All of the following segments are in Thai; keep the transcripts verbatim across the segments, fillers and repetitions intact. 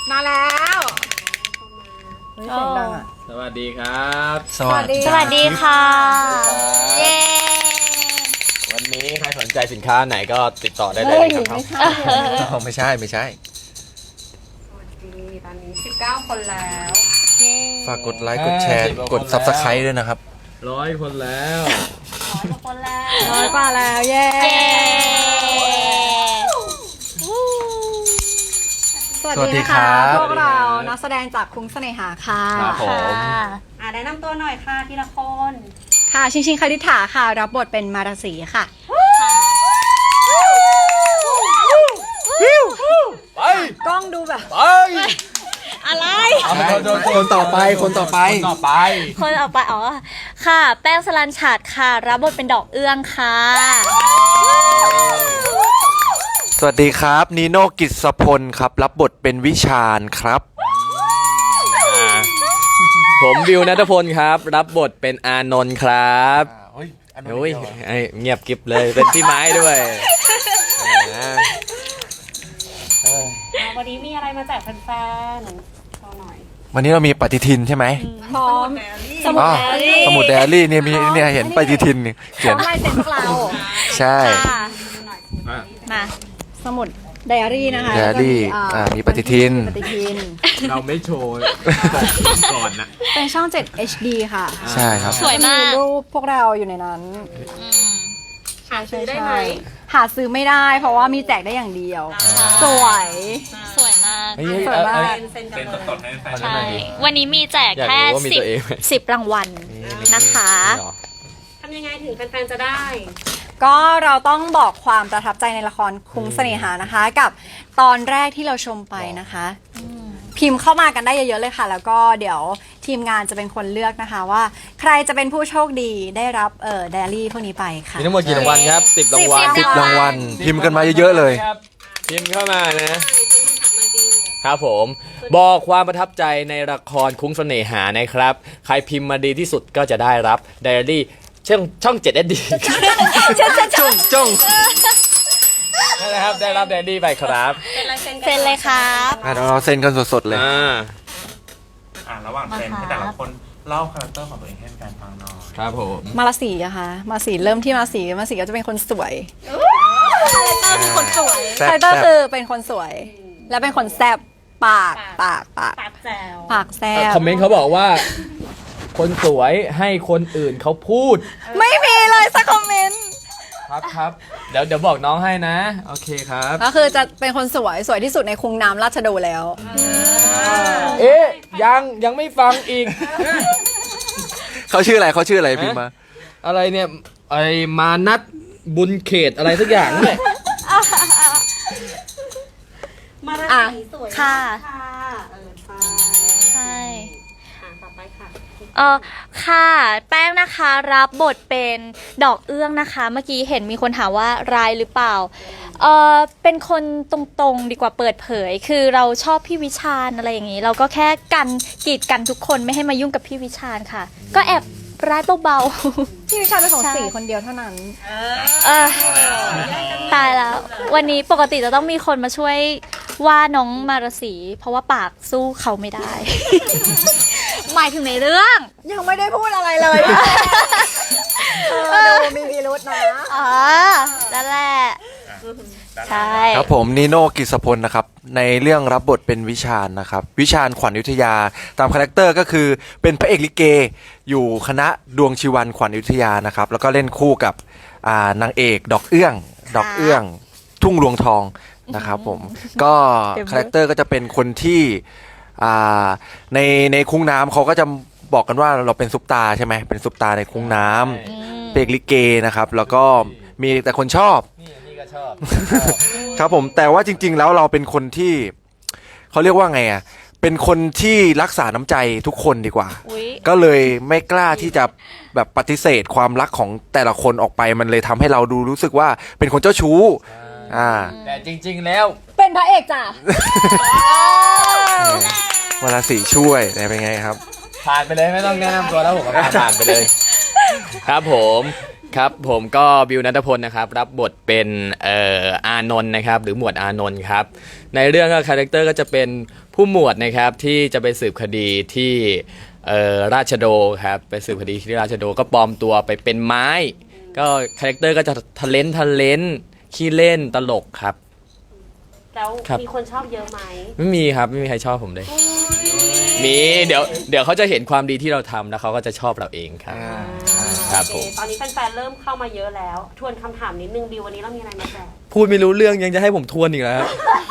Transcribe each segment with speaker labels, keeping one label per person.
Speaker 1: มาแล้ว
Speaker 2: เสียงดังอ่ะ
Speaker 3: สวัสดีครับ
Speaker 2: สวัสดี
Speaker 4: สวัสดีค่ะเย้
Speaker 3: วันนี้ใครสนใจสินค้าไหนก็ติดต่อได้เลยนะครับไม่ใช่ไม่ใช่
Speaker 1: สวัสดีตอนนี้สิบเก้าคนแล้ว
Speaker 2: ฝากกดไลค์กดแชร์กด ซับสไครบ์ ด้วยนะครับ
Speaker 3: ร้อยคนแล้ว
Speaker 4: ร้อยกว่าคนแล้ว
Speaker 1: ร้อยกว่าแล้วเย้สวัสดีค่ะพวกเรานักแสดงจากคุ้งเสน่หาค่ะ
Speaker 3: ครับผม
Speaker 1: อ่าแนะนำตัวหน่อยค่ะทีละคนค่ะชิงชิงคดิษฐาค่ะรับบทเป็นมาราศีค่ะ
Speaker 3: ไป
Speaker 1: กล้องดูแบบ
Speaker 3: ไป
Speaker 4: อะไร
Speaker 2: คนต่อไปคนต่อไป
Speaker 3: คนต่อไป
Speaker 4: คนต่อไปอ๋อค่ะแป้งสลันฉาดค่ะรับบทเป็นดอกเอื้องค่ะ
Speaker 2: สวัสดีครับนีโน่กิษพลครับรับบทเป็นวิชาญครับ
Speaker 3: ผมวิวณัฐพลครับรับบทเป็นอานนท์ครับโอ้ยเงียบกิ๊บเลยเป็นพี่ไม้ด้วย
Speaker 1: วันนี้มีอะไรมาแจกแฟนๆหน่อย
Speaker 2: วันนี้เรามีปฏิทินใช่ไหม
Speaker 1: พร้อม
Speaker 2: สมุดไดอารี่สมุดไดอารี่เนี่ยมีเนี่ยเห็นปฏิทินเขียน
Speaker 1: ลายเซ็นพวกเรา
Speaker 2: ใช่
Speaker 4: มา
Speaker 1: สมุดไดอารี่นะคะ
Speaker 2: ไดอารี่อ่ามีปฏิทิน
Speaker 1: ปฏิทิน
Speaker 3: เราไม่โชว์ก่อนนะ
Speaker 1: เป็นช่องเจ็ด เอช ดี ค่ะ
Speaker 2: ใช่ครับ
Speaker 4: สวยมาก
Speaker 1: รูปพวกเราอยู่ในนั้นหาซื้อได้ไหมหาซื้อไม่ได้เพราะว่ามีแจกได้อย่างเดียวสวย
Speaker 4: สวยมาก
Speaker 1: สวยมาก
Speaker 3: เซ็นสดๆให้แฟน
Speaker 4: ใช่วันนี้มีแจกแค่สิบสิบรางวัลนะคะ
Speaker 1: ทำยังไงถึงแฟนๆจะได้ก็เราต้องบอกความประทับใจในละครคุ้งเสน่หานะคะกับตอนแรกที่เราชมไปนะคะพิมพ์เข้ามากันได้เยอะๆเลยค่ะแล้วก็เดี๋ยวทีมงานจะเป็นคนเลือกนะคะว่าใครจะเป็นผู้โชคดีได้รับเอ่อไดอารี่พวกนี้ไปค่ะ
Speaker 3: มีทั้งหมดกี่รางวัลครับสิบรางวัล
Speaker 2: สิบรางวัลพิมพ์กันมาเยอะๆเลย
Speaker 3: พิมพ์เข้ามานะครับผมบอกความประทับใจในละครคุ้งเสน่หานะครับใครพิมพ์มาดีที่สุดก็จะได้รับไดอารี่ช่องช่องเจ็ด เอส ดี
Speaker 2: จ้องจ้อง
Speaker 3: นั่นแหละครับได้รับไดอารี่ไปครับ
Speaker 4: เซ็นเลยครับ
Speaker 2: เราเซ็นกันสดๆเลย
Speaker 5: อ่าระหว่างเซ็นให้แต่ละคนเล่าคาแรคเตอร์ของตัวเองให้แฟนฟังหน่อย
Speaker 3: ครับผม
Speaker 1: มาราศีอะค่ะมาราศีเริ่มที่มาราศีมาราศีก็จะเป็นคนสวย
Speaker 4: คาแรคเตอร์เป็นคนสวย
Speaker 1: คาแรคเตอร์คือเป็นคนสวยและเป็นคนแซ่บปากปากปาก
Speaker 4: ปากแจ๋ว
Speaker 1: ปากแซ่บ
Speaker 3: คอมเมนต์เขาบอกว่าคนสวยให้คนอื่นเขาพูด
Speaker 1: ไม่มีเลยสักคอมเมนต์
Speaker 3: ครับครับเดี๋ยวเดี๋ยวบอกน้องให้นะโอเคครับ
Speaker 1: ก็คือจะเป็นคนสวยสวยที่สุดในคุ้งน้ำราชโดแล้ว
Speaker 3: เอ๊ะยังยังไม่ฟังอีก
Speaker 2: เขาชื่ออะไรเขาชื่ออะไรพิมพ์มา
Speaker 3: อะไรเนี่ยไอ้มานัทบุญเขตอะไรสักอย่างนี่
Speaker 1: มาราศีสวย
Speaker 4: ค่ะใช่เออค่ะแป้งนะคะรับบทเป็นดอกเอื้องนะคะเมื่อกี้เห็นมีคนถามว่าร้ายหรือเปล่าเออเป็นคนตรงๆดีกว่าเปิดเผยคือเราชอบพี่วิชาญอะไรอย่างนี้เราก็แค่กันกีดกันทุกคนไม่ให้มายุ่งกับพี่วิชาญค่ะก็แอบร้ายเบา
Speaker 1: ๆพี่วิชาญเป็นของสี่คนเดียวเท่านั้น
Speaker 4: เออตายแล้ววันนี้ปกติจะต้องมีคนมาช่วยว่าน้องมาราศีเพราะว่าปากสู้เขาไม่ได้หมายถึงในเรื่อง
Speaker 1: ยังไม่ได้พูดอะไรเลยดูมีพิรุธนะ
Speaker 4: อ๋อนั่นแหละใช่
Speaker 2: ครับผมนีโน่กิษพลนะครับในเรื่องรับบทเป็นวิชาญนะครับวิชาญขวัญอยุธยาตามคาแรคเตอร์ก็คือเป็นพระเอกลิเกอยู่คณะดวงชีวันขวัญอยุธยานะครับแล้วก็เล่นคู่กับนางเอกดอกเอื้องดอกเอื้องทุ่งรวงทองนะครับผมก็คาแรคเตอร์ก็จะเป็นคนที่ในในคุ้งน้ำเขาก็จะบอกกันว่าเราเป็นซุปตาใช่ไหมเป็นซุปตาในคุ้งน้ำเพลงลิเกนะครับแล้วก็มีแต่คนชอบ
Speaker 3: นี่ก็ชอบ
Speaker 2: ครับผมแต่ว่าจริงๆแล้วเราเป็นคนที่เขาเรียกว่าไงอ่ะเป็นคนที่รักษาน้ำใจทุกคนดีกว่าก็เลยไม่กล้าที่จะแบบปฏิเสธความรักของแต่ละคนออกไปมันเลยทำให้เราดูรู้สึกว่าเป็นคนเจ้าชู้อ่า
Speaker 3: แต่จริงๆแล้ว
Speaker 1: เป็นพระเอกจ้ะ
Speaker 2: วาราศีช่วยเป็นไงครับ
Speaker 3: ผ่านไปเลยไม่ต้องแนะนำตัวแล้วผมก็ผ่านไปเลยครับผมครับผมก็บิวนัทพลนะครับรับบทเป็นเอ่ออานนท์นะครับหรือหมวดอานนท์ครับในเรื่องก็คาแรคเตอร์ก็จะเป็นผู้หมวดนะครับที่จะไปสืบคดีที่เอ่อราชโดครับไปสืบคดีที่ราชโดก็ปลอมตัวไปเป็นไม้ก็คาแรคเตอร์ก็จะทะเลนทะเลนขี้เล่นตลกครับ
Speaker 6: แล้ว
Speaker 3: ครับ
Speaker 6: มีคนชอบเยอะไหม
Speaker 3: ไม่มีครับไม่มีใครชอบผมเลยมีเดี๋ยวเดี๋ยวเขาจะเห็นความดีที่เราทำแล้วเขาก็จะชอบเราเองครับ ครับ
Speaker 6: โอ
Speaker 3: ผม
Speaker 6: เตอนนี้แฟนๆเริ่มเข้ามาเยอะแล้ว ทวนคำถามนิดนึงบิววันนี้เรามีอะไรมาแจก
Speaker 3: พูดไม่รู้เรื่องยังจะให้ผมทวนอีกแล้วครับ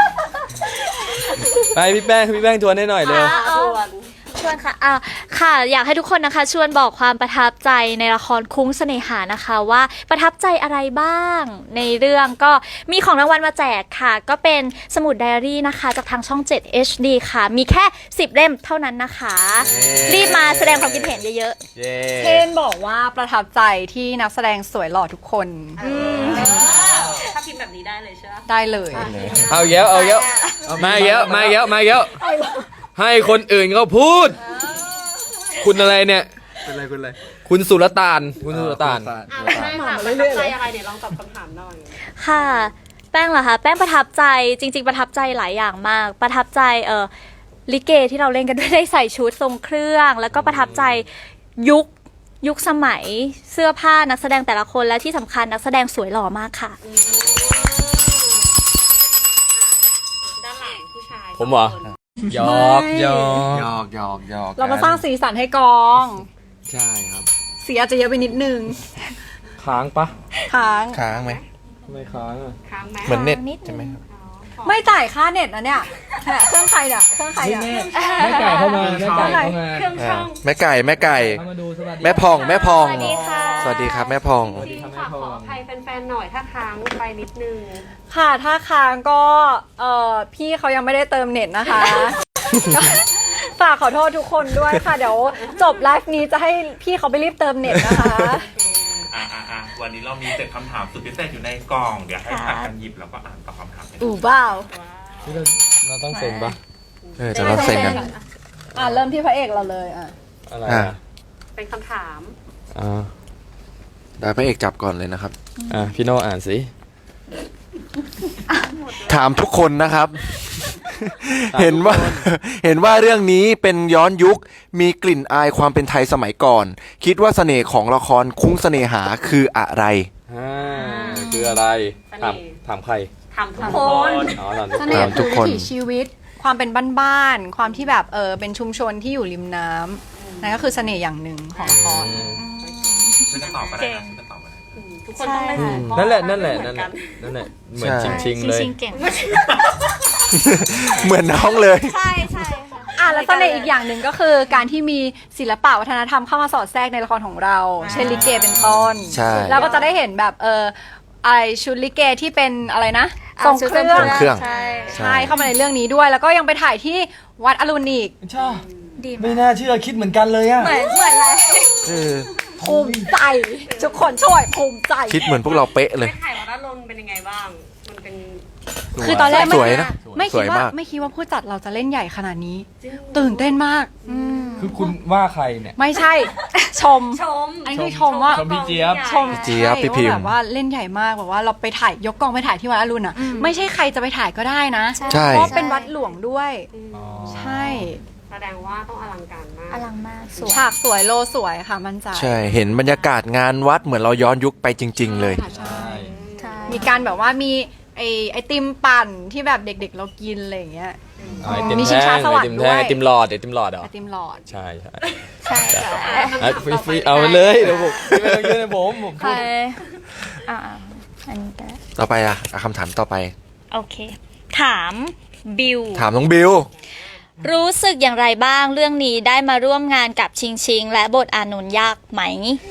Speaker 3: ไปพี่แป้งพี่แป้งทวนให้หน่อยเร็ว
Speaker 6: อ่ะทวน
Speaker 4: ชวนค่ะอ่าค่ะ อยากให้ทุกคนนะคะชวนบอกความประทับใจในละครคุ้งเสน่หานะคะว่าประทับใจอะไรบ้าง ในเรื่องก็มีของรางวัลมาแจกค่ะ ก็เป็นสมุดไดอารี่นะคะ จากทางช่อง เจ็ด เอช ดี ค่ะ มีแค่สิบเล่มเท่านั้นนะคะ รีบมาแสดงความคิดเห็นเยอะ
Speaker 3: เย้
Speaker 1: เช่นบอกว่าประทับใจที่นักแสดงสวยหล่อทุกคน
Speaker 6: ถ้าพิมพ์แบบนี้ได้เลยใช่ไหม
Speaker 1: ได้เลย
Speaker 3: เอาเยอะเอาเยอะมาเยอะมาเยอะมาเยอะให้คนอื่นเขาพูด คุณอะไรเนี่ย
Speaker 2: เป็นไรเป็นไร
Speaker 3: คุณสุลต่านคุณสุลต่าน
Speaker 6: อ่ะใช่ค่ะประทับใจอะไรเนี่ยลองตอบคำถามหน่อย
Speaker 4: ๆ ค่ะ แป้งเหรอคะแป้งประทับใจจริง ๆ ประทับใจหลายอย่างมาก ประทับใจเออลิเกที่เราเล่นกันด้วยได้ใส่ชุดทรงเครื่อง แล้วก็ประทับใจยุคยุคสมัยเสื้อผ้านักแสดงแต่ละคนและที่สำคัญนักแสดงสวยหล่อมากค่ะ
Speaker 6: ด้านหลังผู้ชาย
Speaker 3: ผมเหรอ
Speaker 6: สงคน
Speaker 3: หยอกหยอก
Speaker 2: หยอกหยอกหยอก
Speaker 1: เรามาสร้างสีสันให้กอง
Speaker 2: ใช่ครับ
Speaker 1: สีอาจจะเยอะไปนิดนึง
Speaker 3: ค้างปะ
Speaker 1: ค้าง
Speaker 2: ค้างไหม
Speaker 3: ไม่ค้างอ่ะ
Speaker 6: ค้างไหม
Speaker 2: เหมือนเน็ต
Speaker 4: นิดนึง
Speaker 2: ใช่ไหมครับ
Speaker 1: ไม่จ่ายค่าเน็ตนะเนี่ยเนี่ยเครื่องใครเนี่ยเครื่องใครเนี่ย
Speaker 3: แม่ไก่เข้ามาแม่ไก่เข้ามา
Speaker 6: เครื่องช่อง
Speaker 2: แม่ไก่แม่ไก่
Speaker 3: เข้ามาดูสวัสดี
Speaker 2: แม่พองแม่พอง
Speaker 4: สวัสดีค่ะ
Speaker 2: สวัสดีครับแม่พอง
Speaker 6: จริงฝากขออภัยแฟนๆหน่อยถ้าค้างไปนิดนึง
Speaker 1: ค่ะถ้าค้างก็เอ่อพี่เขายังไม่ได้เติมเน็ตนะคะ ฝากขอโทษทุกคนด้วยค่ะ เดี๋ยวจบไลฟ์นี้จะให้พี่เขาไปรีบเติมเน็ตนะคะ
Speaker 5: อ่ะอ่ะอ่ะวันนี้เรามีเจ็ดคำถามสุดพิเศษอยู่ในกล่อง เดี๋ยวให้ผัดกันหยิบแล้วก็อ่านตอบคำถามกัน
Speaker 1: อู่เบ้า
Speaker 3: เราเราต้องเซ็นปะ
Speaker 2: เออจะรับเซ็นกัน
Speaker 1: อ่ะเริ่มที่พระเอกเราเลยอ่ะ
Speaker 3: อะไร
Speaker 2: อ่ะ
Speaker 3: อ่ะ
Speaker 6: เป็นคำถาม
Speaker 3: อ่า
Speaker 2: ได้พระเอกจับก่อนเลยนะครับ
Speaker 3: อ่ะพี่โน่อ่านสิ
Speaker 2: ถามทุกคนนะครับ เห็นว่า เห็นว่าเรื่องนี้เป็นย้อนยุคมีกลิ่นอายความเป็นไทยสมัยก่อน คิดว่าเสน่ห์ของละครคุ้งเสน่หาคืออะไร
Speaker 3: อ่าคืออะไร ถามถามใคร
Speaker 6: ถามทุก
Speaker 1: ถาม
Speaker 6: ค
Speaker 1: คน
Speaker 6: น
Speaker 3: อ๋อตอน
Speaker 1: เสน่ห์
Speaker 2: ถามทุ
Speaker 1: คื
Speaker 2: ก
Speaker 1: อ
Speaker 2: คน
Speaker 1: วิถีชีวิต ความเป็นบ้านๆความที่แบบเออเป็นชุมชนที่อยู่ริมน้ำนั่นก็คือเสน่ห์อย่างหนึ่งของละคร
Speaker 5: ฉันจะตอบก็ได้นะฉันจะตอบก็ได้
Speaker 6: อืมทุกคนต้องได้ถูกข้อ
Speaker 3: นั่นแหละนั่นแหละ
Speaker 6: ไม่
Speaker 3: นั่น
Speaker 6: เมื
Speaker 3: แห
Speaker 6: อ
Speaker 3: ละ
Speaker 6: กั
Speaker 3: นั่นแหละเหมือน
Speaker 2: ใช่
Speaker 3: ชิงๆเลย
Speaker 4: ชิงๆเก่ง
Speaker 2: เหมือนน้องเลย
Speaker 4: ใช่ใช่ค่ะ
Speaker 1: อ่ะแล้วเสน่ห์อีกอย่างหนึ่งก็คือการที่มีศิลปะวัฒนธรรมเข้ามาสอดแทรกในละครของเรา เช่นลิเกเป็นต้น
Speaker 2: ใช่
Speaker 1: แล้วก็จะได้เห็นแบบเออไอชุดลิเกที่เป็นอะไรนะทรงเครื่
Speaker 2: ท
Speaker 1: อ
Speaker 2: รง งเครื่อง
Speaker 4: ใช่
Speaker 1: ใช่เข้ามาในเรื่องนี้ด้วย แล้วก็ยังไปถ่ายที่วัดอรุณอีก
Speaker 3: ชอบ
Speaker 4: ดี
Speaker 3: ไม่
Speaker 4: มาก
Speaker 3: น่าเชื่อคิดเหมือนกันเลยอ่ะ
Speaker 4: เหมือนเหมือนอะไร
Speaker 2: เออ
Speaker 1: ภูมิใจ ทุกคนช่วยภูมิใจ
Speaker 2: คิดเหมือนพวกเราเป๊ะเล
Speaker 6: ไป
Speaker 2: ย
Speaker 6: ถ่ายวัดอรุณเป็นยังไงบ้าง มันเป็น
Speaker 1: คือตอนแรกไม่
Speaker 2: สวยนะ
Speaker 1: ไม่
Speaker 2: ส
Speaker 1: คิด
Speaker 2: วย
Speaker 1: ว่าม
Speaker 2: าก
Speaker 1: ไม่คิดว่าผู้จัดเราจะเล่นใหญ่ขนาดนี้ ตื่นเต้นมาก
Speaker 3: คือคุณว่าใครเนี่ย
Speaker 1: ไม่ใช่ ชม
Speaker 6: ชม
Speaker 1: อันนี้คือชมว่า
Speaker 3: ชมพี่เจี๊ยบ
Speaker 1: ชม
Speaker 2: เจี๊ยบพี่พิมพ์
Speaker 1: ว่าแบบว่าเล่นใหญ่มากแบบว่าเราไปถ่ายยกกองไปถ่ายที่วัดอรุณอ่ะ ไม่ใช่ใครจะไปถ่ายก็ได้นะ
Speaker 2: ใช่
Speaker 1: เพราะเป็นวัดหลวงด้วย ใช่
Speaker 6: แสดงว่าต้องอลังการมาก
Speaker 4: อลังมากสวย
Speaker 1: ฉากสวยโลสวยค่ะมั่นใจ
Speaker 2: ใช่ เห็นบรรยากาศงานวัดเหมือนเราย้อนยุคไปจริง ๆ เลย
Speaker 1: ค่ะใช่
Speaker 4: ใช่
Speaker 1: มีการแบบว่ามีไอไอติมปั่นที่แบบเด็กๆเรากินอะไรอย่างเงี้ย
Speaker 3: ไอติม
Speaker 1: มีชิง
Speaker 3: แท่
Speaker 1: ช้าง สวรรค์
Speaker 3: ไอติม
Speaker 1: ด้วย
Speaker 3: แท่งไอติมหลอดไอติมหลอดเหรอ
Speaker 1: ไอติมหลอด
Speaker 3: ใช่ใช่
Speaker 4: ใช่ใช่
Speaker 3: อ่ะฟรีฟรีเอาไปเลยเดี๋ยวผมไม่ต้องยื่นให้ผมผม
Speaker 4: ใครอ่าอันนี้ก็ได้
Speaker 2: ต่อไปอ่ะอ่ะคำถามต่อไป
Speaker 4: โอเค ถามบิว
Speaker 2: ถามน้องบิว
Speaker 4: รู้สึกอย่างไรบ้างเรื่องนี้ได้มาร่วมงานกับชิงชิง และบทอานนท์ยากไหม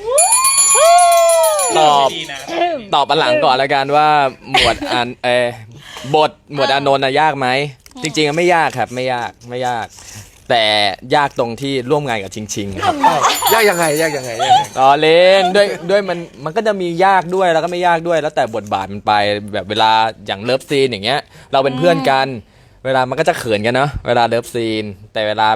Speaker 3: ตอบตอบอันหลังก่อนแล้วกันว่าหมวดอันเออบทหมวดอานนท์น่ะยากไหมจริงๆอะไม่ยากครับไม่ยากไม่ยาก แต่ยากตรงที่ร่วมงานกับชิงชิงครับ
Speaker 2: ยากยังไงยากยังไงยากยังไง
Speaker 3: ต่อเล่นด้วยด้วยมันมันก็จะมียากด้วยแล้วก็ไม่ยากด้วย แล้วแต่บทบาทมันไปแบบเวลาอย่างเลิฟซีนอย่างเงี้ย เราเป็นเพื่อนกัน เวลามันก็จะเขินกันเนาะเวลาเลิฟซีนแต่เวลาแบบ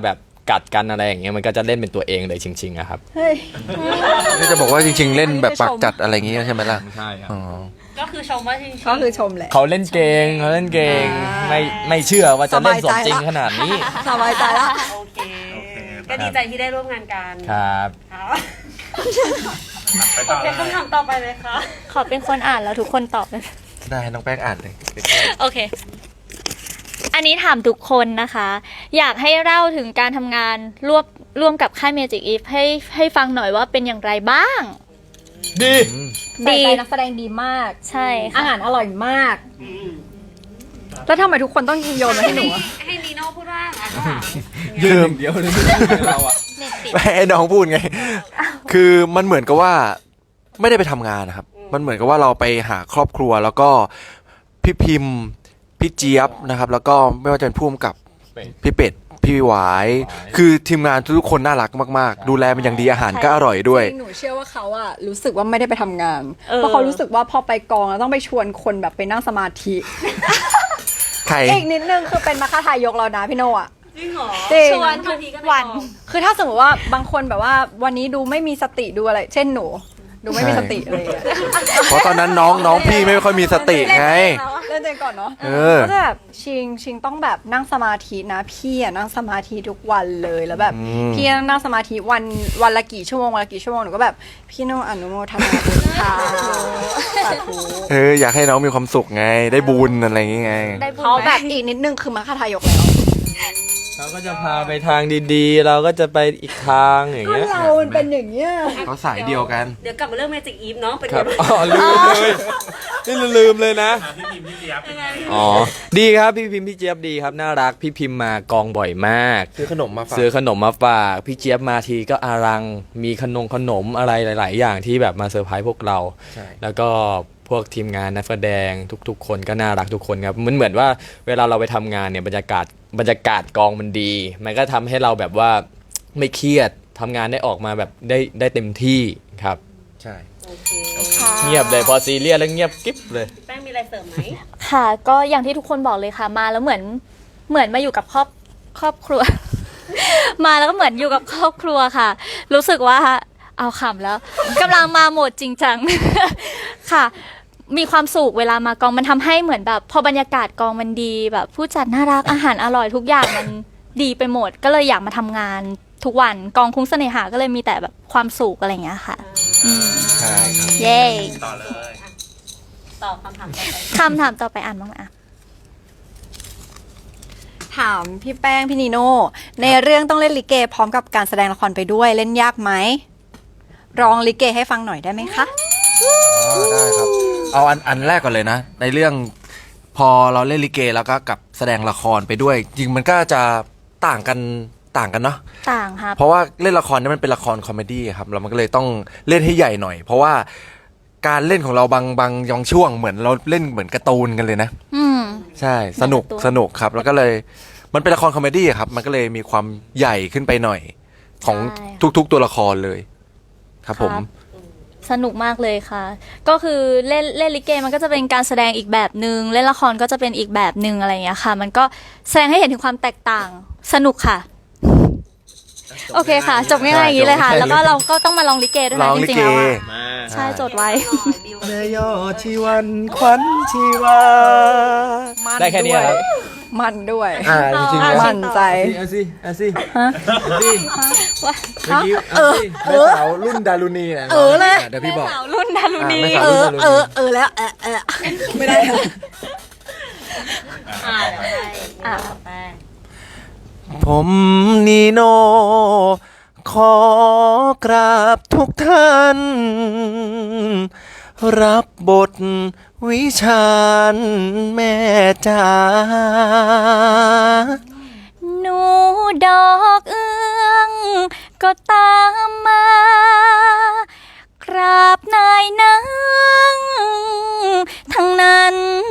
Speaker 3: กัดกันอะไรอย่างเงี้ยมันก็จะเล่นเป็นตัวเองเลยจริงๆอะครับ
Speaker 1: เฮ้ย
Speaker 2: นี่จะบอกว่าจริง ๆ เล่นแบบปากจัดอะไรอย่างงี้ใช่ไหมล่ะ
Speaker 3: ใช่ครับ
Speaker 2: อ๋อ
Speaker 6: ก็คือชมว่าจริงๆ
Speaker 1: ก็คือชมแหละ
Speaker 3: เขาเล่นเก่งเขาเล่นเก่งไม่ไม่เชื่อว่าจะเล่นสมจริงขนาดนี้
Speaker 1: สบายใจละ
Speaker 6: โอเค ก็ดีใจที่ได้ร่วมงานกัน
Speaker 3: ครับ
Speaker 6: ครับ
Speaker 5: ไปต่อ
Speaker 6: เป็นคำถามต่อไปเลยค่ะ
Speaker 4: ขอเป็นคนอ่านแล้วทุกคนตอบเลย
Speaker 2: ได้น้องแป้งอ่านเลย
Speaker 4: โอเค อันนี้ถามทุกคนนะคะ อยากให้เล่าถึงการทำงานร่วมร่วมกับค่าย Magic Eve ให้ให้ฟังหน่อยว่าเป็นอย่างไรบ้าง
Speaker 3: ดี
Speaker 1: ใส่
Speaker 4: ดี
Speaker 1: ใจนักแสดงดีมาก
Speaker 4: ใช่
Speaker 1: อา
Speaker 4: ค่ะ
Speaker 1: หารอร่อยมาก แล้วทำไมทุกคนต้องโยนมาให้หนูอะ
Speaker 6: ให้นีโน่พูดว่าอ่ะก็ถาม
Speaker 2: ยืม
Speaker 3: เดียวเลยเราอะ
Speaker 4: เน็ตติด
Speaker 2: ให้น้องพูดไง คือมันเหมือนกับว่าไม่ได้ไปทำงานนะครับ มันเหมือนกับว่าเราไปหาครอบครัวแล้วก็พี่พิมพ์พี่เจี๊ยบนะครับ แล้วก็ไม่ว่าจะเป็นผู้กำกับพี่เป็ดพี่หวาย คือทีมงานทุกคนน่ารักมากๆ ดูแลมันอย่างดีอาหารก็อร่อยด้วย
Speaker 1: จริงหนูเชื่อว่าเขาอะรู้สึกว่าไม่ได้ไปทำงาน เพราะเขารู้สึกว่าพอไปกองแล้วต้องไปชวนคนแบบไปนั่งสมาธิ
Speaker 2: ใคร
Speaker 1: อีกนิดนึงคือเป็นมรรคทายกแล้วนะพี่โนอะ
Speaker 6: จริงเหรอ
Speaker 1: จริง
Speaker 4: ชวนทุกวัน
Speaker 1: คือถ้าสมมติว่าบางคนแบบว่าวันนี้ดูไม่มีสติดูอะไร เช่นหนู ดูไม่มีสติอะไรอย่างเงี้ย
Speaker 2: เพราะตอนนั้นน้องน้องพี่ไม่ค่อยมีสติไง
Speaker 1: เล่นเองก่อนเนาะ
Speaker 2: เออ
Speaker 1: ก็จะแบบชิงชิงต้องแบบนั่งสมาธินะ พี่อะนั่งสมาธิทุกวันเลยแล้วแบบ
Speaker 2: อืม
Speaker 1: พี่นั่งสมาธิวันวันละกี่ชั่วโมงวันละกี่ชั่วโมงหนูก็แบบพี่โนอนุโมทนาบุญค่ะสาธุ
Speaker 2: เอออยากให้น้องมีความสุขไง ได้บุญอะไรอย่างงี้ไง
Speaker 4: ได้บุญ
Speaker 1: เขา
Speaker 4: ไหม
Speaker 1: แบบอีกนิดนึงคือมรรคทายกแล้ว
Speaker 3: เขาก็จะพาไปทางดีๆ เราก็จะไปอีกทางอย่าง
Speaker 1: ก็
Speaker 3: เงี้ย
Speaker 1: เรามันเป็นอย่างเงี้ย
Speaker 2: เขาสายเดียวกัน
Speaker 6: เดี๋ยวกลับมาเรื่อง Magic Eve เนาะเป็น
Speaker 3: ครั
Speaker 6: ไง
Speaker 3: บ
Speaker 6: บ้าง
Speaker 3: อ๋อลืมเลยนี่ลืมเลยนะ
Speaker 5: อ่ะพี่พิมพ์พี่เจี๊ยบเป็นไง
Speaker 3: อ๋อดีครับพี่พิมพ์พี่เจี๊ยบดีครับน่ารักพี่พิมพ์มากองบ่อยมาก
Speaker 2: ซื้อขนมมาฝาก
Speaker 3: ซื้อขนมมาฝากพี่เจี๊ยบมาทีก็อารังมีขนมขนมอะไรหลาย ๆ อย่างที่แบบมาเซอร์ไพรส์พวกเรา
Speaker 2: ใช่
Speaker 3: แล้วก็พวกทีมงานนักแสดงทุก ๆ คนก็น่ารักทุกคนครับมันเหมือนว่าเวลาเราไปทำงานเนี่ยบรรยากาศบรรยากาศกองมันดี มันก็ทำให้เราแบบว่าไม่เครียดทำงานได้ออกมาแบบได้ได้เต็มที่ครับ
Speaker 2: ใช่
Speaker 6: โอเค
Speaker 3: เงียบเลยพอซีเรียสแล้วเงียบกิ๊บเลย
Speaker 6: แป้งมีอะไรเสริมไหม
Speaker 4: ค่ะ ก็อย่างที่ทุกคนบอกเลยค่ะ มาแล้วเหมือนเหมือนมาอยู่กับครอบครอบครัว มาแล้วก็เหมือนอยู่กับครอบครัวค่ะ รู้สึกว่าเอาขำแล้วกำลังมาโหมดจริงจัง ค่ะ มีความสุขเวลามากองมันทำให้เหมือนแบบ พอบรรยากาศกองมันดีแบบผู้จัดน่ารักอาหารอร่อยทุกอย่างมันดีไปหมด ก็เลยอยากมาทำงานทุกวันกองคุ้งเสน่หาก็เลยมีแต่แบบความสุขอะไรอย่างเงี้ยค่ะ
Speaker 2: ใช่ครับ
Speaker 4: เย้
Speaker 5: ต่อเลย
Speaker 6: ตอบคำถามต่อไป
Speaker 4: คำถามต่อไปอ่านบ้างไหมอ่ะ
Speaker 1: ถามพี่แป้งพี่นีโน่ในเรื่องต้องเล่นลิเกพร้อมกับการแสดงละครไปด้วยเล่นยากไหมร้องลิเกให้ฟังหน่อยได้ไหมคะ
Speaker 2: อ๋อได้ครับ เอาอันอันแรกก่อนเลยนะ ในเรื่องพอเราเล่นลิเกแล้วก็กับแสดงละครไปด้วย จริงมันก็จะต่างกันต่างกันเนาะ
Speaker 4: ต่างครับ
Speaker 2: เพราะว่าเล่นละครเนี่ยมันเป็นละครคอมเมดี้ครับแล้วมันก็เลยต้องเล่นให้ใหญ่หน่อย เพราะว่าการเล่นของเราบางบางยองช่วงเหมือนเราเล่นเหมือนการ์ตูนกันเลยนะ
Speaker 4: อืม
Speaker 2: ใช่สนุก
Speaker 4: เหมือนการ์ตูน
Speaker 2: สนุกครับ แล้วก็เลยมันเป็นละครคอมเมดี้ครับ มันก็เลยมีความใหญ่ขึ้นไปหน่อย ของทุกๆตัวละครเลย ครับผม
Speaker 4: สนุกมากเลยค่ะ ก็คือเล่นเล่นลิเกมันก็จะเป็นการแสดงอีกแบบหนึ่งเล่นละครก็จะเป็นอีกแบบหนึ่งอะไรอย่างเงี้ยค่ะ มันก็แสดงให้เห็นถึงความแตกต่างสนุกค่ะ โอเคค่ะ จบง่ายๆอย่างนี้เลยค่ะ แล้วก็เราก็ต้องมาลองลิเกด้วย
Speaker 2: ล
Speaker 4: นะ
Speaker 2: อง
Speaker 4: จ
Speaker 2: ลิ
Speaker 4: ริง
Speaker 2: เก
Speaker 4: ๆแล้วอะ
Speaker 3: มา
Speaker 4: ใช่จดไว้
Speaker 6: บิว
Speaker 2: แม่ยอดชีวันขวัญชีวา
Speaker 1: มัน
Speaker 3: ได้แค่นี้ครับ
Speaker 1: ด้วยมันด้วย
Speaker 2: อ่าจริงๆ
Speaker 4: อ่ะ
Speaker 2: แล้ว
Speaker 1: มันใจ
Speaker 3: เอาสิเอาสิเอาสิเมื่อกี้
Speaker 1: เออ
Speaker 2: แม่สาวรุ่นดารุณีนะ
Speaker 1: เออเลย
Speaker 2: เดี๋ยวพี่บอก
Speaker 4: สาวรุ่นดารุณี
Speaker 2: อ่ะไม่
Speaker 1: เอ
Speaker 2: สาว
Speaker 1: อเออเออแล้วเออเออไม่ได้ค่ะ
Speaker 6: อ่าเดี๋ยวให้
Speaker 4: อ่ะ
Speaker 6: แป้ง
Speaker 2: ผมนีโน ขอกราบทุกท่าน รับบทวิชาญแม่จ๋า
Speaker 4: หนูดอกเอื้องก็ตามมา กราบนายนางทั้งนั้น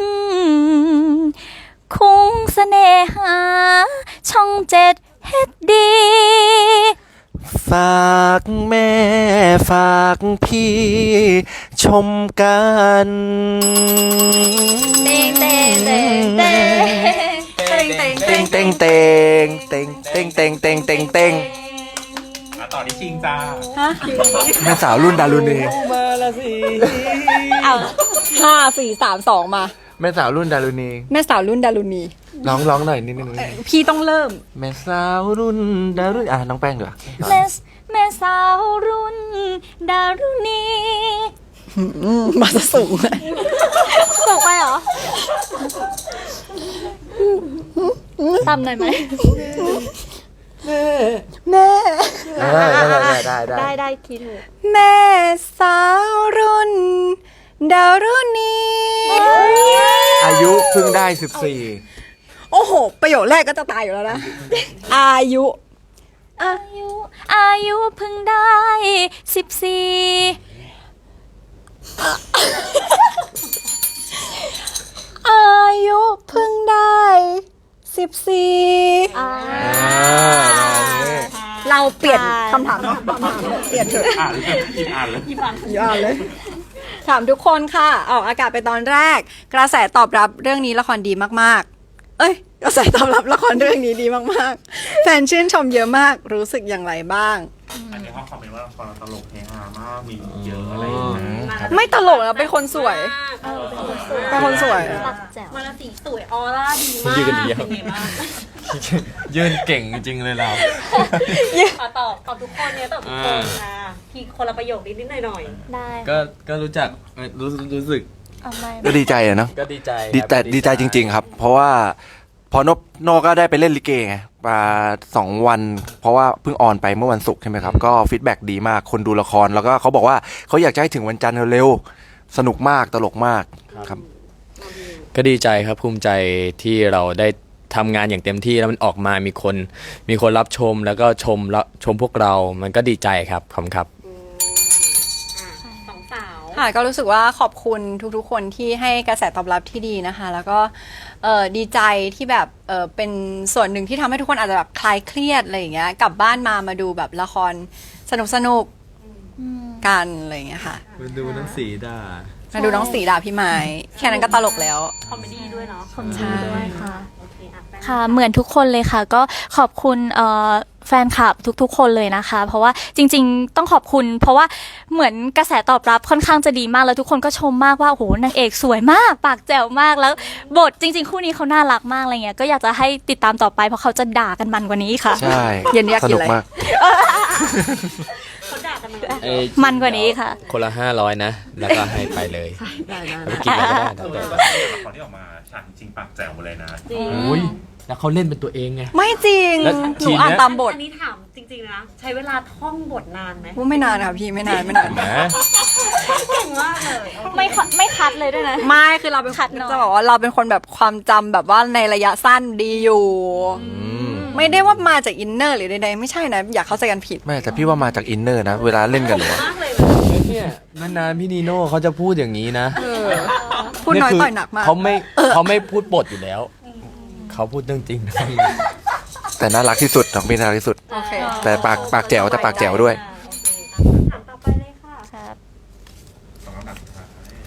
Speaker 4: คุ้งเสน่หา ช่องเจ็ดเฮ็ดดี
Speaker 2: ฝากแม่ฝากพี่ชมกัน
Speaker 4: เต้งเต้งเต้งเต้งเต้ง
Speaker 1: เต็งเต็ง
Speaker 2: เต็งเต็งเต็งเต็งเต็งเต็งเต็งเต็ง
Speaker 5: อ่ะต่อที่ชิงจ้า
Speaker 1: ฮะ
Speaker 2: แม่สาวรุ่นดารุณี
Speaker 3: มาละสิ
Speaker 1: เอาห้าสี่สามสองมา
Speaker 2: แม่สาวรุ่นดารุณี
Speaker 1: แม่สาวรุ่นดารุณี
Speaker 2: ร้องร้องหน่อยนิดนึง
Speaker 1: พี่ต้องเริ่ม
Speaker 2: แม่สาวรุ่นดารุณีอ่ะน้องแป้งเดี๋ยว
Speaker 4: แม่แม่สาวรุ่นดารุณี
Speaker 1: มาซะสูงเลย
Speaker 4: สูงไปเหรอตามหน่อยไหม
Speaker 1: แม่
Speaker 2: ได้ได้ได้ได้
Speaker 4: ได้ได้คิดถูก
Speaker 1: แม่สาวรุ่นดารุณี
Speaker 2: อายุเพิ่งได้สิบสี่
Speaker 1: โอ้โห ประโยคแรกก็จะตายอยู่แล้วนะ อายุ
Speaker 4: อายุอายุเพิ่งได้สิบสี่
Speaker 1: อายุเพิ่งได้สิบสี่
Speaker 4: อ่า
Speaker 1: เราเปลี่ยนคำถามเนาะเปลี่ยนเถอะ
Speaker 5: อ่านเลยอีกอ่านเลย
Speaker 1: อย่าเลย ถามทุกคนค่ะ ออกอากาศไปตอนแรก กระแสตอบรับเรื่องนี้ละครดีมากๆ เอ้ย กระแสตอบรับละครเรื่องนี้ดีมากๆ แฟนชื่นชมเยอะมาก รู้สึกอย่างไรบ้าง
Speaker 5: อันนี้เขาคอมเมนต์ว่าละครเราตลกเฮฮามากมีเยอะอะไรอย่างเงี้ย
Speaker 1: ไม่ตลกแล้วเป็นคนสวย
Speaker 6: เออ
Speaker 1: เป็นคนสวย
Speaker 4: ปักแจ๋ว
Speaker 6: มาลาสีสวยออร่าดีมาก
Speaker 3: ยืนกันเดียว
Speaker 6: เป็นไงบ้าง
Speaker 3: ยืนเก่งจริงเลยเรา
Speaker 6: ขอตอบตอบทุกคนเนี่ยตอบทุกคนค่ะพี่คนละประโยคนิดนิดหน่อยหน่อย
Speaker 4: ได้
Speaker 3: ก็ก็รู้จักเอ่อรู้รู้สึก
Speaker 4: เอาไม่
Speaker 2: ก็ดีใจอะเนาะ
Speaker 3: ก็ดีใจ
Speaker 2: ดี
Speaker 3: ครับ
Speaker 2: แต่ดีใจจริง ๆ ครับ เพราะว่าพอนบโนก็ได้ไปเล่นลิเกไงมาสองวัน เพราะว่าเพิ่งออนไปเมื่อวันศุกร์ใช่ไหมครับ ก็ฟีดแบ็กดีมากคนดูละครแล้วก็เขาบอกว่าเขาอยากจะให้ถึงวันจันทร์เร็วๆสนุกมากตลกมากครับ
Speaker 3: ก็ดีใจครับภูมิใจที่เราได้ทำงานอย่างเต็มที่แล้วมันออกมามีคนมีคนรับชมแล้วก็ชมแล้วชมพวกเรามันก็ดีใจครับขอบคุณครับ
Speaker 6: อืมอ่ะสองสาว
Speaker 1: ค่ะก็รู้สึกว่าขอบคุณทุกๆ คนที่ให้กระแสตอบรับที่ดีนะคะ แล้วก็เอ่อดีใจที่แบบเอ่อเป็นส่วนหนึ่งที่ทำให้ทุกคนอาจจะแบบคลายเครียดอะไรอย่างเงี้ยกลับบ้านมามาดูแบบละครสนุกสนุกๆกันอะไรอย่างเงี้ยค่ะ
Speaker 3: มาดูน้องสีดา
Speaker 1: มาดูน้องสีดาพี่ไม้แค่นั้นก็ตลกแล้ว
Speaker 6: คอมเมดี้ด้วยเนาะ
Speaker 4: ขอบคุณด้วยค่ะ
Speaker 6: โอเคอ่ะแป้ง
Speaker 4: ค่ะเหมือนทุกคนเลยค่ะ ก็ขอบคุณเอ่อแฟนคลับทุกๆ คนเลยนะคะ เพราะว่าจริงๆต้องขอบคุณ เพราะว่าเหมือนกระแสตอบรับค่อนข้างจะดีมากแล้วทุกคนก็ชมมากว่าโอ้โหนางเอกสวยมากปากแจ๋วมากแล้วบทจริง ๆ คู่นี้เขาน่ารักมากอะไรเงี้ยก็อยากจะให้ติดตามต่อไปเพราะเขาจะด่ากันมันกว่านี้ค่ะ
Speaker 2: ใช่
Speaker 1: เย็นนี้อยาก
Speaker 2: ส
Speaker 1: กิน
Speaker 2: นุก
Speaker 1: อะไร
Speaker 2: มาก
Speaker 6: เขาด่ากันมา
Speaker 3: เอ้ย
Speaker 4: มันกว่านี้ค่ะ
Speaker 3: คนละห้าร้อยนะ แล้วก็ให้ไปเลยไปกินอะไรก็ได้
Speaker 5: ละครที่ออกมาฉากจริงๆปากแจ๋วหมดเลยนะ
Speaker 6: จริง
Speaker 3: โอ้ยแล้วเขาเล่นเป็นตัวเองไง
Speaker 1: ไม่จริง
Speaker 3: แล้ว
Speaker 1: ห
Speaker 3: ที
Speaker 1: นู
Speaker 3: เนี้ย
Speaker 1: อ่านตามบท
Speaker 6: อันนี้ถามจริงๆนะ ใช้เวลาท่องบทนานไหม
Speaker 1: ว่าไม่นานค่ะพี่ไม่นานไม่นาน
Speaker 3: นะ
Speaker 6: เก่งมากเลยโอเค
Speaker 4: ไม่คัดไม่คัดเลยด้วยนะ
Speaker 1: ไม่คือเราเป็น
Speaker 4: ขัดหน่อย
Speaker 1: จะบอกว่าเราเป็นคนแบบความจำแบบว่าในระยะสั้นดีอยู่ ไม่ได้ว่ามาจากอินเนอร์หรือใดๆไม่ใช่นะ อยากเข้าใจกันผิด
Speaker 2: ไม่แต่พี่ว่ามาจากอินเนอร์นะ เวลาเล่นกันหนูอะ
Speaker 6: มากเลย
Speaker 3: เนี่ยนานๆพี่นีโน่เขาจะพูดอย่างนี้นะ
Speaker 1: พูดน้อย
Speaker 3: คื
Speaker 1: ต่อยหนักมาก
Speaker 3: เขาไม่เขาไม่พูดบทอยู่แล้ว เขาพูดเรื่องจริงนะ
Speaker 2: แต่น่ารักที่สุดน้องพี่น่ารักที่สุด
Speaker 1: โอเค
Speaker 2: แต่ปากปากแจ๋วแต่ปากแจ๋วด้วย
Speaker 6: อ่าโอเคอ่ะถามต่อไปเลยค่ะ
Speaker 5: สองคำถามสุดท้าย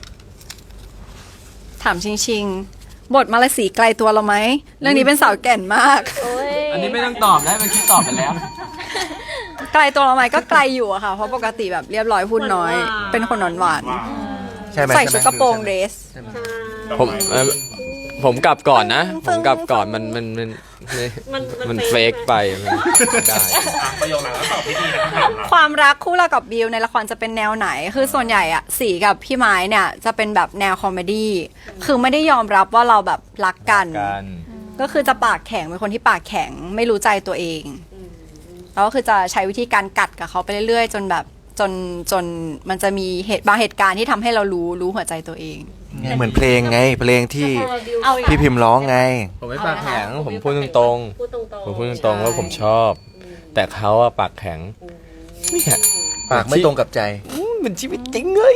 Speaker 1: ถามชิงชิงๆบทมาลาสีไกลตัวเราไหม เรื่องนี้เป็นสาวแก่นมาก
Speaker 3: อันนี้ไม่ต้องตอบแล้วมันคิดตอบไปแล้ว
Speaker 1: ไกลตัวเราไหมก็ไกลอยู่อะค่ะ เพราะปกติแบบเรียบร้อยพูดน้อย เป็นคนหวานหวาน
Speaker 5: ว่า
Speaker 2: ใช่ไหม
Speaker 1: ๆใส่ชุดกระโปรงเดรส
Speaker 3: ผมเอ่อผมกลับก่อนนะ ผมกลับก่อนมันมันมัน
Speaker 6: มัน
Speaker 3: มันเฟกไปมันได้
Speaker 5: อ่ะประโยคหลังแล้วตอบที่ดีนะคำถามเรา
Speaker 1: ความรักคู่เรากับบิวในละครจะเป็นแนวไหน คือส่วนใหญ่อะสีกับพี่ไม้เนี่ยจะเป็นแบบแนวคอมเมดี้ คือไม่ได้ยอมรับว่าเราแบบรักกัน
Speaker 3: กัน
Speaker 1: ก็คือจะปากแข็งเป็นคนที่ปากแข็งไม่รู้ใจตัวเอง แล้วก็คือจะใช้วิธีการกัดกับเขาไปเรื่อยๆ จนแบบจนจนมันจะมีเหตุบางเหตุการณ์ที่ทำให้เรารู้รู้หัวใจตัวเอง
Speaker 2: เหมือนเพลงไง เพลงที่
Speaker 6: เอาอีก
Speaker 2: พี่พิมพ์ร้องไง
Speaker 3: ผมไม่ปากแข็งผมพูดตรง
Speaker 6: พูดตรง
Speaker 3: ๆ
Speaker 6: ๆ
Speaker 3: ผมพูดตรงๆว่าผมชอบ แต่เขาอะปากแข็งเนี่ย
Speaker 2: ปากไม่ตรงกับใจ
Speaker 3: เหมือนชีวิตจริงเลย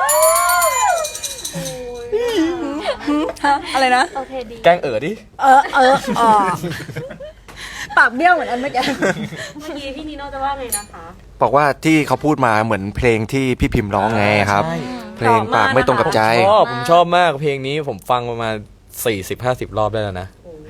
Speaker 1: ฮะ อะไรนะ
Speaker 4: โอเคดี
Speaker 3: แกล้งเอ๋อดิ
Speaker 1: เออเอออ๋อปากเบี้ยวเหมือนอันเมื่อกี้
Speaker 6: เมื่อกี้พี่นีโน่จะว่าไงนะคะ
Speaker 2: บอกว่าที่เขาพูดมาเหมือนเพลงที่พี่พิมพ์ร้องไงครับ
Speaker 3: ใช่
Speaker 2: เพลงปากไม่ตรงกับใจ
Speaker 3: ชอบผมชอบมากเพลงนี้ผมฟังประมาณสี่สิบห้าสิบรอบได้แล้วนะ
Speaker 2: อ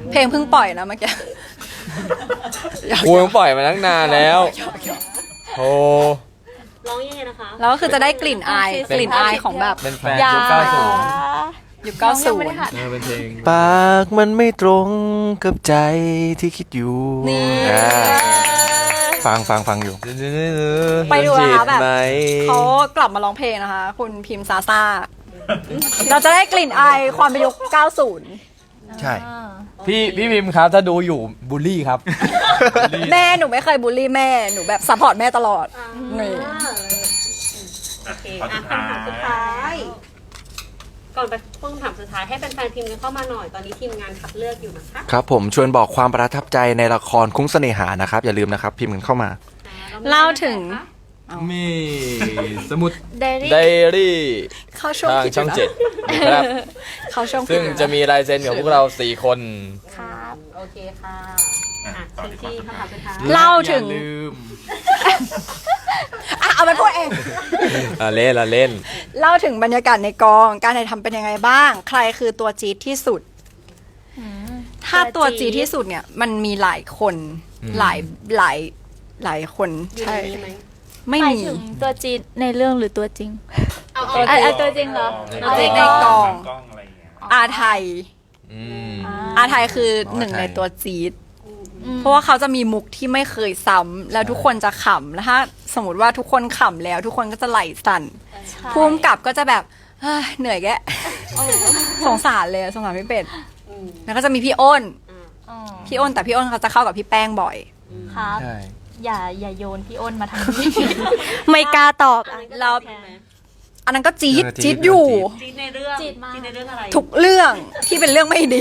Speaker 1: เพลงเพิ่งปล่อยนะเมื่อกี้
Speaker 3: กูยังปล่อยมาตั้งนานแล้วโอ้
Speaker 6: ร้องยังไงนะคะ
Speaker 1: แล้วก็คือจะได้กลิ่นอายกลิ่นอายของแบบ
Speaker 3: เป็นแฟน
Speaker 4: อย่า
Speaker 3: ยุคเก้าสิบ
Speaker 1: ยุคเก้าสิบ
Speaker 4: น้องยังไม่ได้หัด
Speaker 3: เออเป็นเพลง
Speaker 2: ปากมันไม่ตรงกับใจที่คิดอยู่
Speaker 1: นี่
Speaker 2: อ่าฟังฟังฟังอยู่
Speaker 1: ไปดูนะคะแบบ
Speaker 3: ไหม
Speaker 1: เขากลับมาร้องเพลงนะคะ คุณพิมพ์ซาซ่า เราจะได้กลิ่นอายความเป็นยุคเก้าสิบ
Speaker 2: ใช่
Speaker 3: พี่พี่พิมพ์ครับถ้าดูอยู่บูลลี่ครับ
Speaker 1: แม่หนูไม่เคยบูลลี่แม่ หนูแบบซัพพอร์ตแม่ตลอด นี่
Speaker 6: โอเค
Speaker 5: ข้อ
Speaker 6: อ่ะ
Speaker 5: สุดท้า
Speaker 6: คำถามสุด
Speaker 5: ย
Speaker 6: ท้าย ก่อนไปคำถามสุดท้ายให้แฟนๆพิมพ์กันเข้ามาหน่อย ตอนนี้ทีมงานคัดเลือกอยู่นะคะ
Speaker 2: ครับผมชวนบอกความประทับใจในละครคุ้งเสน่หานะครับ อย่าลืมนะครับ พิมพ์กันเข้ามา
Speaker 1: เล่าถึง
Speaker 3: มีสมุด
Speaker 4: ไดรี่
Speaker 3: ไดรี่
Speaker 1: เข้าช่วง
Speaker 3: ทาง
Speaker 1: ผิด
Speaker 3: ช่อง
Speaker 1: ยู่นะ
Speaker 3: เจ็ดนะครับ
Speaker 1: เข้าช่วงผิ
Speaker 3: ซึ่
Speaker 1: ด
Speaker 3: ง
Speaker 1: อยู่น
Speaker 3: จะมีลายเซ็นของพวกเราสี่คน
Speaker 4: ครับ
Speaker 6: โอเคค่ะ
Speaker 5: อ่ะ
Speaker 6: อ่ะ
Speaker 5: ต่อ
Speaker 6: ซี
Speaker 5: ที่ข้อ
Speaker 6: ซี
Speaker 5: สุด
Speaker 6: คำ
Speaker 5: ท้าย
Speaker 6: ถามสุดท้าย
Speaker 1: เล่าถึง
Speaker 3: อย่ลืม
Speaker 1: อ่ะเอามาพูดเอง
Speaker 3: อ่ะเล่นละเล่น
Speaker 1: เล่าถึงบรรยากาศในกอง การถ่ายทำเป็นยังไงบ้าง ใครคือตัวจี๊ดที่สุด ถ้าตัวจี๊ดที่สุดเนี่ย มันมีหลายคน
Speaker 3: อืม
Speaker 1: หลายหลายหลายคน
Speaker 6: อยู่
Speaker 1: ใช่
Speaker 6: ในนี้ไหม
Speaker 1: ไม่
Speaker 4: หมาย
Speaker 1: มี
Speaker 4: ถึงตัวจีนในเรื่องหรือตัวจริง
Speaker 6: เอา
Speaker 1: ตัว
Speaker 6: เอา
Speaker 1: จริง
Speaker 4: อ่ะตัวจริงเหรอ
Speaker 1: ตัวจริงในกอง
Speaker 5: กล้องอะไรอย่างเงี้ย
Speaker 1: อาไทย
Speaker 3: อืม
Speaker 1: อาไทยคือหนึ่งในตัวจี๊ด เพราะว่าเขาจะมีมุกที่ไม่เคยซ้ำแล้วทุกคนจะขำแล้วถ้าสมมติว่าทุกคนขำแล้ว ทุกคนก็จะไหลสั่นภูมิกับก็จะแบบเฮ้ยเหนื่อยแกะสงสารเลยสงสารพี่เป็ด
Speaker 6: อืม
Speaker 1: แล้วก็จะมีพี่อ้น
Speaker 6: อ่ะ
Speaker 1: พี่อ้นแต่พี่อ้นเขาจะเข้ากับพี่แป้งบ่อย
Speaker 4: ครับ
Speaker 3: ใช่
Speaker 4: อย่าอย่าโยนพี่อ้นมาทางนี้ ไม่กล้าตอบ
Speaker 6: อันนั้นก็
Speaker 1: เรา
Speaker 6: โอเคไหม
Speaker 1: อันนั้นก็จี๊ด
Speaker 2: เออจี๊
Speaker 1: จี๊
Speaker 2: ด
Speaker 1: ดอยู่
Speaker 6: จีดในเรื่อง
Speaker 4: จี๊ดมาก
Speaker 6: จีดในเรื่องอะไร
Speaker 1: ทุกเรื่องที่เป็นเรื่องไม่ดี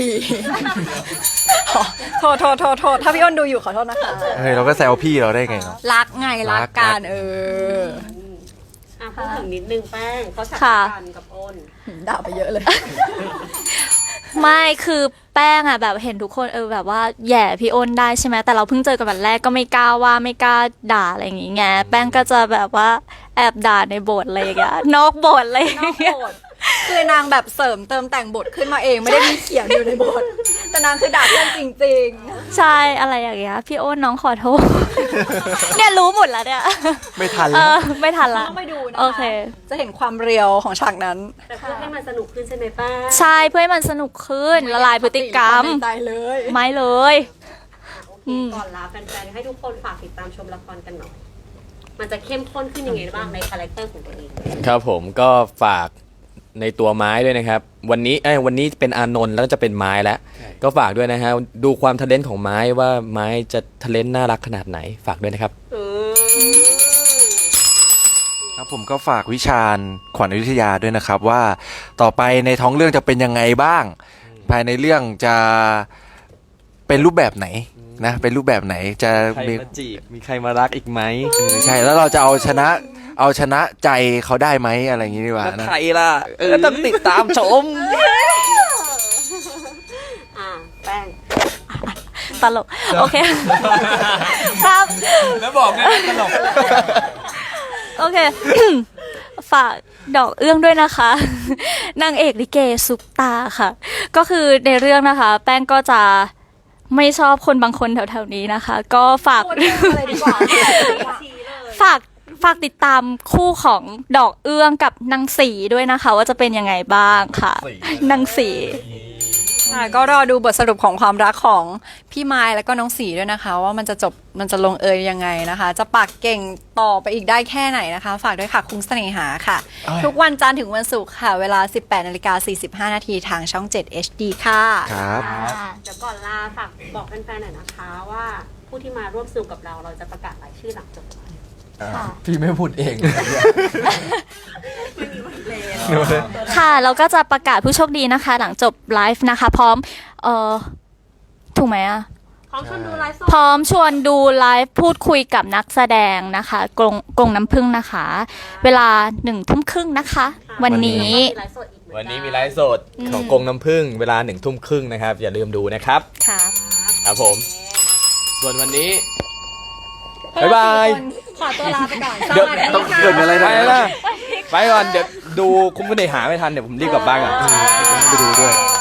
Speaker 1: โทษโทษโทษโทษถ้าพี่อ้นดูอยู่ขอโทษนะคะ
Speaker 2: เฮ้ยเราก็แซวพี่เราได้ไงเนาะ
Speaker 1: รักไงรักกันเออ
Speaker 6: อืมอ่ะพูดถึงนิดนึงแป้งเขาฉาก
Speaker 4: ค่ะ
Speaker 6: กันกับอ้น
Speaker 1: ด่าไปเยอะเลย
Speaker 4: ไม่คือแป้งอะแบบเห็นทุกคนเออแบบว่าแหย่พี่อ้นได้ใช่ไหมแต่เราเพิ่งเจอกันวันแรกก็ไม่กล้าว่าไม่กล้าด่าอะไรอย่างงี้ไงแป้งก็จะแบบว่าแอบด่าในบทอะไรอย่างเงี้ยนอกบทอะไรอย่าง
Speaker 1: นอก
Speaker 4: เงี้ย
Speaker 1: บทคือนางแบบเสริมเติมแต่งบทขึ้นมาเองไม่ได้มีเขียนอยู่ในบท แต่นางคือด่าเพื่อนจริง
Speaker 4: ใช่อะไรอย่างเงี้ยพี่อ้นน้องขอโทษ เนี่ยรู้หมดแล้วเนี่ย
Speaker 2: ไม่ทัน
Speaker 4: เอ
Speaker 2: แล้ว
Speaker 4: อไม่ทัน
Speaker 1: ๆ
Speaker 4: ละ
Speaker 1: ต้องไปดูนะคะ
Speaker 4: โอเค
Speaker 1: จะเห็นความเรียวของฉากนั้น
Speaker 6: แต่เพื่อให้มันสนุกขึ้นใช่ไหมแป้ง
Speaker 4: ใช่เพื่อให้มันสนุกขึ้นละลายพฤติกรรม
Speaker 1: ในใจเลย
Speaker 4: ไม่เลย
Speaker 6: โอเคก่อนลาแฟนๆให้ทุกคนฝากติดตามชมละครกันหน่อย มันจะเข้มข้นขึ้นยังไงบ้างในคาแรคเตอร์ของตัวเอง
Speaker 3: ครับผมก็ฝากในตัวไม้ด้วยนะครับ วันนี้เอ้ยวันนี้เป็นอานนท์แล้วก็จะเป็นไม้แล้ว ก็ฝากด้วยนะฮะดูความทะเลนของไม้ว่าไม้จะทะเลนน่ารักขนาดไหนฝากด้วยนะครับ
Speaker 6: เออ
Speaker 2: ครับผมก็ฝากวิชาญขวัญอยุธยาด้วยนะครับว่าต่อไปในท้องเรื่องจะเป็นยังไงบ้าง ภายในเรื่องจะเป็นรูปแบบไหนนะเป็นรูปแบบไหนจะ
Speaker 3: ใคร
Speaker 2: มี
Speaker 3: มาจีบมีใครมารักอีกไหม
Speaker 2: เออใช่แล้วเราจะเอาชนะเอาชนะใจเขาได้ไหมอะไรอย่างนี้ดีกว่า
Speaker 3: แล้ว
Speaker 2: นะ
Speaker 3: ใครล่ะเออต้องติดตามชม
Speaker 6: อ่าแป้ง
Speaker 4: ตลก โอเค ครับ
Speaker 3: แล้วบอกไงตลก
Speaker 4: โอเค ฝากดอกเอื้องด้วยนะคะ นางเอกลิเกซุปตาค่ะ ก็คือในเรื่องนะคะ แป้งก็จะไม่ชอบคนบางคนแถวๆนี้นะคะ ก็ฝาก
Speaker 1: พูดเรื่องอะไรดีกว่า
Speaker 4: ฝากฝากติดตามคู่ของดอกเอื้องกับนางสีด้วยนะคะ ว่าจะเป็นยังไงบ้างค่ะนางสี
Speaker 1: ค่ะก็รอดูบทสรุปของความรักของพี่ไม้แล้วก็น้องสีด้วยนะคะ ว่ามันจะจบมันจะลงเอยยังไงนะคะ จะปากเก่งต่อไปอีกได้แค่ไหนนะคะ ฝากด้วยค่ะคุ้งเสน่หาค่ะ
Speaker 2: อ้าย
Speaker 1: ทุกวันจันทร์ถึงวันศุกร์ค่ะ เวลา สิบแปดนาฬิกาสี่สิบห้านาทีทางช่อง เจ็ด เอช ดี ค่ะ
Speaker 2: ครับ
Speaker 6: เดี๋ยวก่อนลาฝากบอกแฟนๆหน่อยนะคะว่าผู้ที่มาร่วมสนุกกับเราเราจะประกาศรายชื่อหลังจบไลฟ์
Speaker 3: พี่ไม่พูดเอง
Speaker 4: ค่ะเราก็จะประกาศผู้โชคดีนะคะ หลังจบไลฟ์นะคะ พร้อมเอ่อถูกไหมอะ
Speaker 6: พร้อมชวนดูไลฟ์สด
Speaker 4: พร้อมชวนดูไลฟ์พูดคุยกับนักแสดงนะคะกรงกรงน้ำพึ่งนะคะ เวลาหนึ่งทุ่มครึ่งนะคะ วันนี้
Speaker 6: มีไลฟ์สดอีกเหมือ
Speaker 3: วัน
Speaker 6: กั
Speaker 3: นี้มีไลฟ์สดของกรงน้ำผึ้งเวลาหนึ่งทุ่มครึ่งนะครับ อย่าลืมดูนะครับ
Speaker 4: ค่ะ
Speaker 3: ครับผม ส่วนวันนี้ บ๊ายบาย
Speaker 1: ขอตัวลาไปก่อน
Speaker 3: เดี๋ยว
Speaker 1: สวัสดี
Speaker 2: ต้อง
Speaker 1: ค่ะ
Speaker 2: เกิดอะไร
Speaker 3: ไป
Speaker 2: นะ
Speaker 3: แล้วไปก่อน เดี๋ยวดูคุ้มกันในหาไม่ทัน เดี๋ยวผมรีบกลับบ้านก่อน
Speaker 2: ไปดูด้วย